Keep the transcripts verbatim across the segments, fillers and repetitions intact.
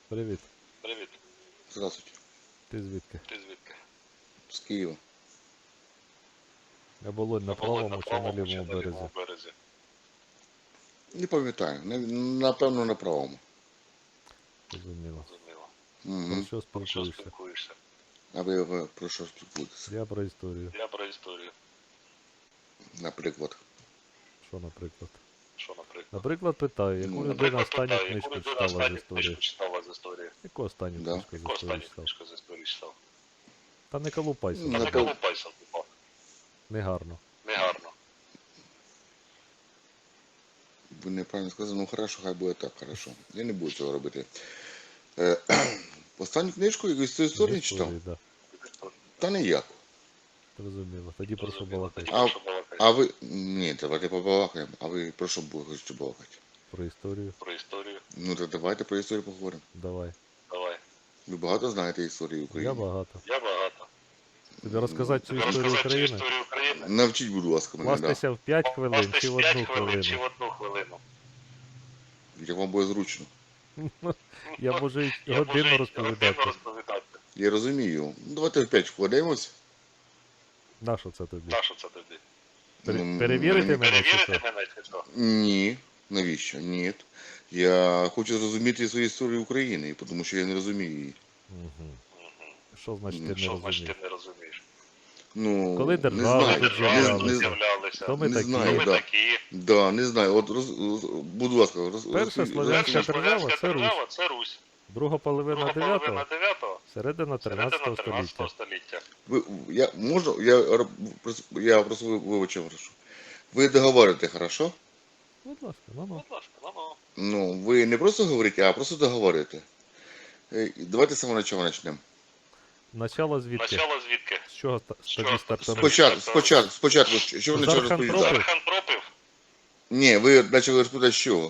Привіт. Привіт. Здравствуйте. Ти звідки? Ти звідки? З Києва. Я Болонь на правому чи на лівому березі? березі? Не пам'ятаю. Не- Напевно, на правому. Зрозуміло. Зрозуміло. Про Угу. що Про що спілкуєшся? спілкуєшся? А ви ви про що спілкуєтеся? Я про історію. Я про історію. Наприклад. Що, наприклад? Що, наприклад? Наприклад, питаю, яку Ну, людина Наприклад, останню питаю, книжку яку людина читала з останню історії? книжку читала з історії? Яку останню Да. книжку з Яку історії останню читав? книжку з історії читав? Та не колупайся, Ну, Та не Напев- колупайся, типа. негарно. Негарно. Ви неправильно сказали, ну хорошо, хай буде так, хорошо. Я не буду цього робити. Е, Останню книжку якусь з історії читав? да. Та ніяку. Зрозуміло. Тоді про що Зрозуміло. балакати? Тоді А- про що балакати? А ви. Ні, давайте побалакаємо. А ви про що бу- хочете балакати? Про історію? Про історію? Ну то давайте про історію поговоримо. Давай. Давай. Ви багато знаєте історії України? Я багато. Я багато. Тобі розказати цю історію Розказати цю України? історію України? Навчіть, будь ласка, мене, да. Кластися в п'ять хвилин Кластись чи в п'ять одну хвилин чи в хвилину? одну хвилину? Як вам буде зручно. Я можу й Я годину можу й розповідати. годину розповідати. Я розумію. Ну давайте в п'ять вкладаємось. На що це тобі? Та що це тобі? Пере- Ну, Перевірити мені- мене чи Перевірити що? мене чи що? Ні. Навіщо? Ні. Я хочу зрозуміти свою історію України, тому що я не розумію її. Угу. Що значить ти не Що значить розумієш? ти не розумієш? Ну, Коли не держави знаю. тут Не- з'являлися? не- з'являлися? Хто ми не такі? знаю, Ми да. такі. Да, не знаю. От роз, роз- будь ласка, роз, Перша роз- слов'янська роз- держава Слов'янська це Русь. держава це Русь. Друга половина Друга половина дев'ятого, дев'ятого, середина середина тринадцятого тринадцятого століття. століття. Ви, я можу, я, р- прос- я просто ви- вибачив, прошу. Ви договорите, хорошо? Будь ласка, ну ну. Будь ласка, ну ну. Ну, ви не просто говорите, а просто договорите. Е, Давайте з самого початку почнемо. Начало звідки? Начало звідки? З чого ста- З тоді чого? стартанув? Спочатку, спочатку, спочатку, що ви почали Зархан розповідати? Пропив? Зархан пропив? Ні, ви почали розповідати з чого?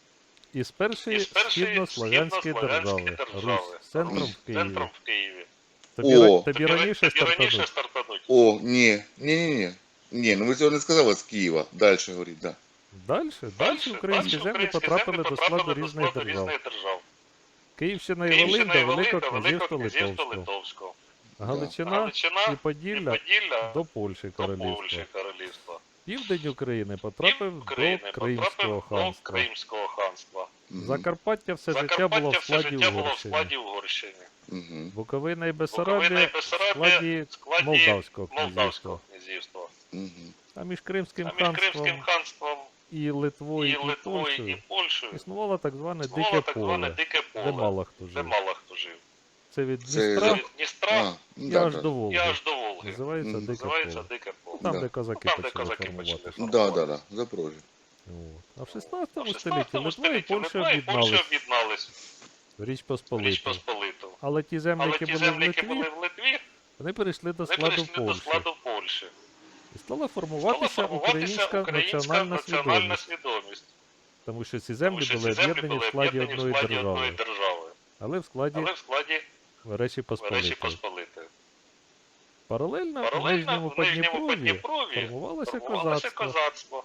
Із першої Із першої східнослов'янської східнослов'янської держави. держави. Русь. З центром в Києві. Центром в Києві. Тобі, О. ра- тобі Тобі раніше тобі раніше стартануть? стартануть. О, ні, ні, ні, ні. Ні, ну ви цього не сказали з Києва. Далі говоріть, да. Далі? Далі українські землі українські потрапили землі до складу потрапили до різних складу держав. різних держав. Київщина і Київщина Волинь і до Волинь Великого до Великого князівства князівства Литовського. Литовського. Галичина Галичина і Поділля Поділля до Польщі до королівства. Польщі королівства. Південь України потрапив Пів України до Кримського потрапив до ханства. Кримського ханства. Мгм. Закарпаття все життя Закарпаття було в все складі життя було в Угорщини. складі Угорщини. Мгм. Буковина і Буковина Бессарабія і в Бессарабія складі в складі Молдавського князівства. Молдавського князівства. Мгм. А між Кримським А між Кримським ханством ханством і Литвою і і Литвою і Польщею Польщею існувало так зване існувало дике так зване поле, дике де поле, мало хто де жив. мало хто жив. Це від Це Дністра Від Дністра А, і да, аж да. до і Волги. аж до Волги. Називається Мгм. дике Називається поле. дике поле. Там, Да. де козаки Там, де почали козаки формувати. почали. Да, да, да, Запорожжя. От. А в А шістнадцятому в столітті шістнадцятому Литва і столітті Польща Литва і Польща об'єднались об'єднались в Річ в Посполиту. Річ Посполиту. Але ті землі, Але які ті були в землі, які були Литві, в Литві, вони перейшли до вони складу перейшли до Польщі. складу Польщі. І стала Стала формуватися формуватися українська українська національна національна свідомість. свідомість. Тому що ці Тому землі що були ці землі об'єднані в були складі об'єднані в одної складі одної держави, держави. але в складі Але в складі Речі Речі Посполитої. Посполитої. Паралельно в Паралельно Нижньому в Нижньому Подніпров'ї Подніпров'ї формувалося формувалося козацтво. козацтво.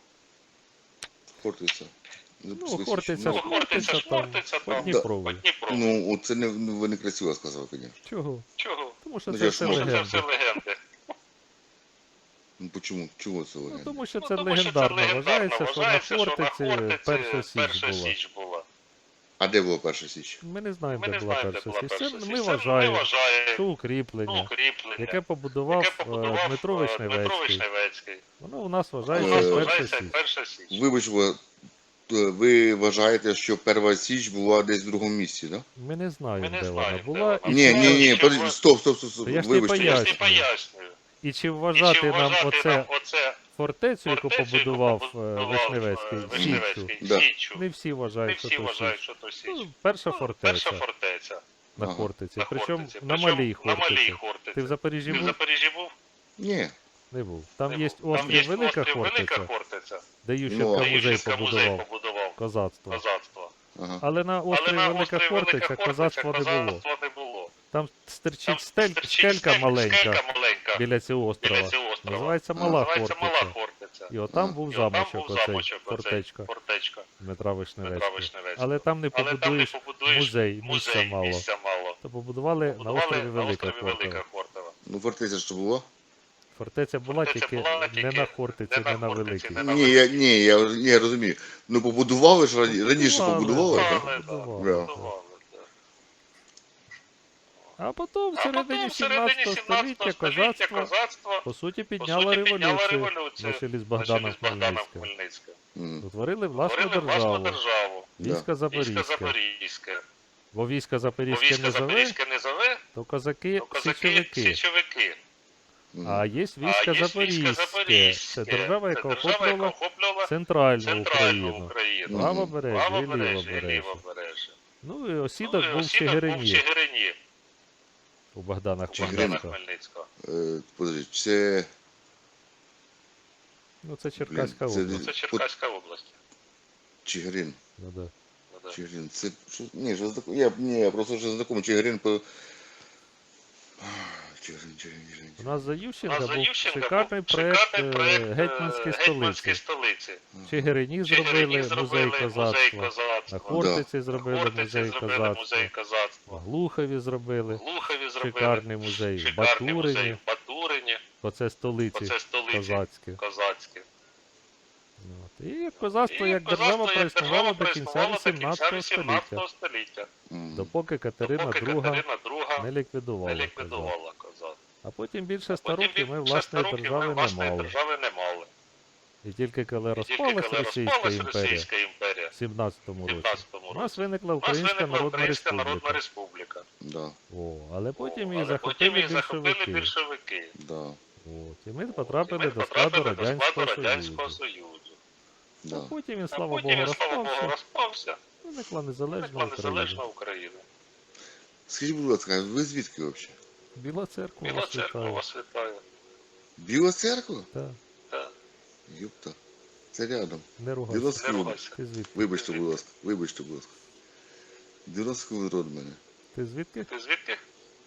Хортиця. Ну, Записуй, Хортиця, ну, Хортиця, Шмортиця, там, Шмортиця, там, Подніпров'ї. Подніпров'ї. Ну, от це не, ну, ви не красиво сказали, звісно. Чого? Чого? Тому що Ну, це я все ж можу. Тому що це легенди. все легенди. Ну, почему? Чого це Ну, легенда? тому що Ну, це тому що легендарно легендарно вважається, що на вважається, що на Хортиці Хортиці перша січ перша була. січ була. А де була перша січ? Ми не знаємо, Ми де не була знаємо, де перша була січ. перша Це січ. ми Це вважаємо, вважаємо, що ну, укріплення, укріплення, яке побудував, яке е, побудував Дмитро е, Дмитро Вишневецький. Вишневецький. Воно у нас У вважається нас Е, перша вважається січ. перша січ. Вибач, ви, ви вважаєте, що перша січ була десь в другому місці, так? Ми не знаємо, Ми не де вона знаємо, де була. вона І Ні, чи, ні, ні, що подожди, ви- стоп, стоп, стоп, стоп. Та я ж тобі Вибачте. Я ж не Пояснюю. пояснюю. і чи І вважати чи нам вважати оце нам оце фортецю, яку фортецю, яку побудував е, побудував, Вишневецький, е, січчю? Вишневецький, Да. Січчю. Не всі Не вважають, що всі то вважають, січ. що то січ. Ну, перша Ну, фортеця Перша фортеця на Ага. Хортиці. на Причому Хортиці. на Причому малій на малій Хортиці. Хортиці. Ти в Запоріжжі Ти в був? Запоріжжі був? Ні. Не був. Там Не є був. Там острів є Велика острів Велика Хортиця, Хортиця, де Ну, Ющенка а де музей Ющенка музей побудував. побудував Козацтво. козацтво. Ага. Але на Але острові на Велика острові Хортиця Велика Хортиця козацтва не було. козацтва не було. Там Там стирчить стель, стирчить скелька скель- маленька скелька маленька біля цього острова. біля цього острова. Називається Мала Називається Мала Хортиця. Хортиця. І отам А. був І отам замочок, був оцей, замочок, оцей, фортечка фортечка Дмитра Дмитра Вишневецького. Вишневецького. Але там не Але там не побудуєш побудуєш музей, місця музей, мало. місця мало. То побудували на Побудували острові на Велика острові Велика Хортова. Хортова. Ну, фортеця що було? Фортеця була Фортеця тільки була не тільки на Хортиці, не на не на Хортиці, Великій. не на Ні, я, ні, я, ні, я розумію. Ну, побудували ж рані- раніше побудували, да, так? Побудували, да, побудували, Да. да. побудували, да. А потім в А середині потім в середині сімнадцятого сімнадцятого століття століття козацтво, козацтво по суті, по підняло суті підняло революцію революцію на чолі з на чолі Богданом з Богданом Хмельницьким. Хмельницьким. Мгм. Утворили власну Створили власну державу, державу. військо Військо Запорізьке. Запорізьке. Бо військо Бо Запорізьке військо не зове, Запорізьке не зове, то козаки то козаки січовики. січовики. Мгм. А є А військо є військо Запорізьке. Запорізьке. Це держава, яка Це держава, яка охоплювала охоплювала центральну центральну Україну. Україну. Правобережжя і Правобережжя і лівобережжя. лівобережжя. Ну і Ну, осідок і був в осідок був в Чигирині Чигирині. у Богдана Чигирин. Богдана Хмельницького. Хмельницького. Е, подожди, це... Ну це Черкаська Блін, це область. Це Черкаська область. Чигирин. Ну, да. Ну, да. Чигирин. Це... Що... Ні, що знаком... я, ні, я просто вже знакомий. Чигирин по... Чигирин, Чигирин, Чигирин. У нас за У Ющенка нас за був Ющенка шикарний був проект шикарний проект е, е, гетьманської Гетьманської столиці. столиці. В Чигирині В зробили Чигирині музей зробили музей козацтва. На козацтва. Хортиці На зробили Хортиці музей зробили козацтва. музей козацтва. В Глухові зробили В Глухові зробили шикарний музей. В шикарний музей Батурині, в Батурині. бо це столиці Оце столиці козацькі. козацькі. От. І козацтво І як козацтво держава як проіснувало держава до кінця проіснувало до кінця вісімнадцятого століття, вісімнадцятого століття. Мгм. допоки Катерина Поки друга Катерина друга не не ліквідувала козак. ліквідувала козак. А потім більше ста Потім років ми більше власної ста років держави ми не власної мали. держави не мали. І тільки коли І тільки розпалась коли Російська розпалась імперія Російська імперія в сімнадцятому в році, сімнадцятому у році, нас виникла у нас Українська виникла Народна Українська Народна Республіка. Республіка. Да, О, але потім її Але потім захопили її захопили більшовики. більшовики. да, От. І ми І потрапили ми до складу потрапили до складу Радянського Радянського Союзу. Союзу. да. А потім він, А слава потім, Богу, він, слава Богу, розпався, розпався. виникла незалежна Виникла Україна. незалежна Україна. Скажіть, будь ласка, ви звідки взагалі? Біла церква Біла вас церква вітає. вас вітає. Біла церква? Так, Так. Юпта. Це рядом. не Біла ругайся. Не церква. ругайся. Ти звідки? Вибачте, будь ласка, вибачте, будь ласка. дев'яносто род мене. Ти звідки? Ти звідки?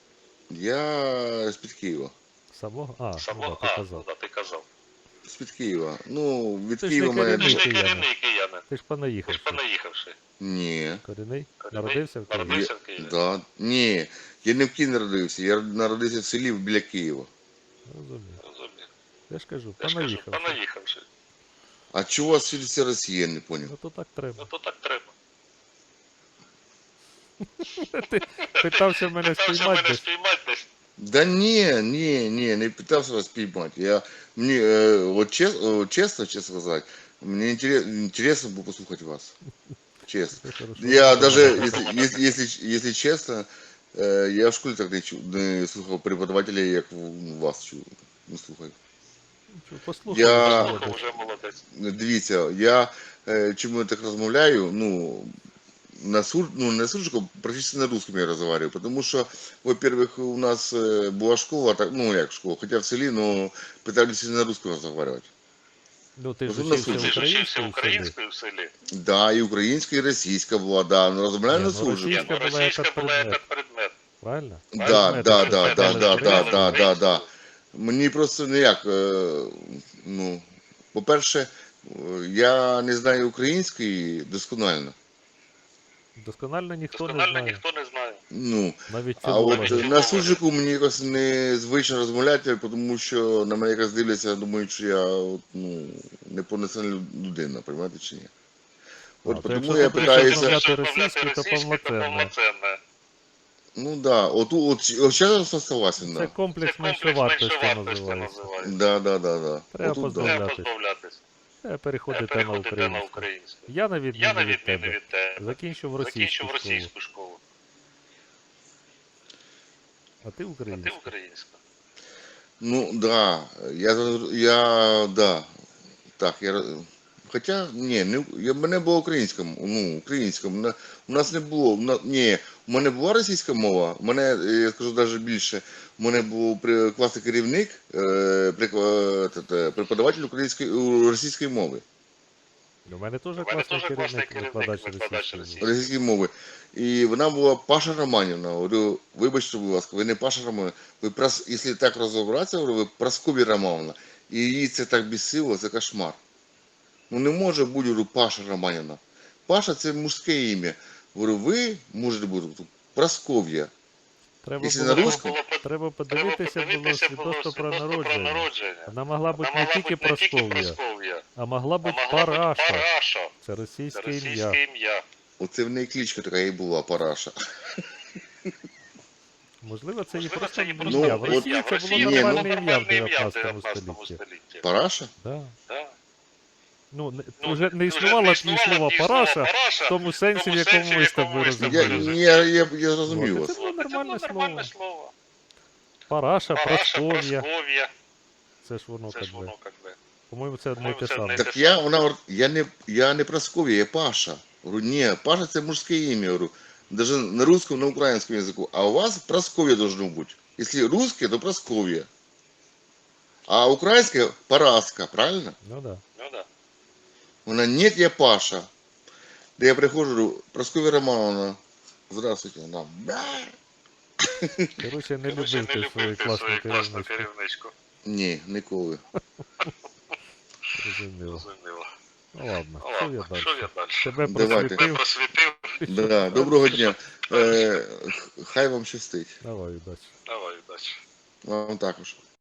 Я з-під Києва. Самого? А, ну, Само? да, ти А, казав. да, ти казав. З-під Києва. Ну, від Ти ж Києва не мене... Ти ж не Киянин. корінний киянин. Ти ж Ти ж понаїхавши. понаїхавши. Ні. Корінний? Корінний? Народився в Києві? Народився Я- в Києві? Да. Ні. Я не в Києві народився, я народився в селі біля Києва. Розумію. Розумію. Я ж кажу, Я ж кажу, понаїхавши. понаїхавши. А чого у вас всюди вся Росія, я не поняв. Ну то так треба. Ну то так треба. Ти питався мене Питався спіймати мене десь. спіймати десь. Да ні, ні, ні, не питався вас піймати. Я, мені, е, от чес, о, чесно, чесно сказати, мені інтересно, інтересно було послухати вас. Чесно. Все хорошо. Я даже, если, если, если, если честно, э, я в школі так не, чу, не слухав преподавателя, як в- вас чую. Не слухаю. Нічого, послухай. Я- вже Слухав, молодець. вже молодець. Дивіться, я е, чому я так розмовляю, ну, на сур, ну, не суржиком, практично на русском я разговариваю, потому что, во-первых, у нас э, была школа, так, ну, як школа, хотя в селі, но пытались на русском разговаривать. Ну ти ж Розумно, вчився слухай. Ти ж вчився українською в селі. українською в селі. Да, і українська, і російська була, да, но розмовляю Ні, на ну, суржиком. російська Ні, ну, була як російська була предмет. як предмет. Правильно? Да, Предмети, да, що да, да, вчили да, да, українською. да, да, да. Мені просто ніяк, е, ну, по-перше, е, я не знаю української досконально. Досконально ніхто не Досконально знає. ніхто не знає. Ну, Навіть а от філологи. е, на суржику мені якось незвично розмовляти, тому що на мене якось дивляться, думають, що я от, ну, неповноцінна людина, розумієте чи ні? От А, то тому якщо я ти будеш питаюся, розмовляти Якщо російською, то російською, то повноцінно. повноцінно. ну да, от, от, от зараз я согласен, Це да. комплекс Це комплекс меншовартості меншовартості називається. називається. Да, да, да, да. Треба Отут, да. позбавляти. Треба позбавлятись. Треба переходити на Переходити на українську. українську. Я на Я відміну на від відміну тебе. від тебе. Закінчив російську Закінчив школу, російську школу. а ти А ти українську. українська. Ну, да, я, я, да, так, я, хоча, ні, не, я, в мене була українська, ну, українська, мене, у нас не було, у нас, ні, у мене була російська мова, у мене, я скажу навіть більше, у мене був при- класний керівник, е, прикла- те- те, преподаватель української, у- російської мови, У мене теж У мене класний теж класний керівник, керівник, викладач викладач російської російської. мови. російської мови, і вона була Паша Романівна, говорю, вибачте, будь ласка, ви не Паша Романівна, ви, прос, якщо так розібратися, говорю, ви Прасков'я Романівна, І її це так бісило, це кошмар. Ну не може бути, говорю, Паша Романіна. Паша це мужське ім'я. Говорю, ви можете бути Просков'я. Треба Якщо було, на по- русском, треба подивитися було свідоцтво про народження. Вона могла бути не тільки Просков'я, а могла бути Параша. Параша. Це Це російське російське ім'я. ім'я. оце в неї кличка така і була, Параша. Можливо, це її Можливо, просто це її просто ім'я. В ім'я. Росії От- це в було Росії Ні, нормальне ну, ім'я в нормальне ім'я в дев'ятнадцятому дев'ятнадцятому столітті. столітті. Параша? Да. Да. Ну, не, Ну, вже не вже існувало не б ні слова ні Параша, Параша, в тому сенсі, в тому якому сенсі, ми в з тобою якому ми з Я, тобою розуміли. я, я, я зрозумів Вот, вас. це було Це нормальне було слово. нормальне слово. Параша, Параша, Просков'я. Просков'я. Це ж воно Це так ж би. воно як би. По-моєму, це одне й По-моєму, те це саме. одне й те Так я, вона, говорить, я не, я не Просков'я, я Паша. Говорю, ні, Паша це мужське ім'я, говорю. Даже на русском, на украинском языку. А у вас Просковья должно быть. Если русское, то Просковья. А украинское Параска, правильно? Ну да. Ну да. Вона, нет, я Паша. Да я прихожу, говорю, Просковья Романовна, здравствуйте. Вона, да. Коротше, не Короче, любив ти свою класну класну керівницю. керівничку. Ні, ніколи. Зрозуміло. Зрозуміло. Ну ладно, Ну що ладно, я що далі? я далі? Тебе Давайте. Тебе просвітив. просвітив. Да, доброго дня. Е, хай вам щастить. Давай, удачі. Давай, удачі. Вам також.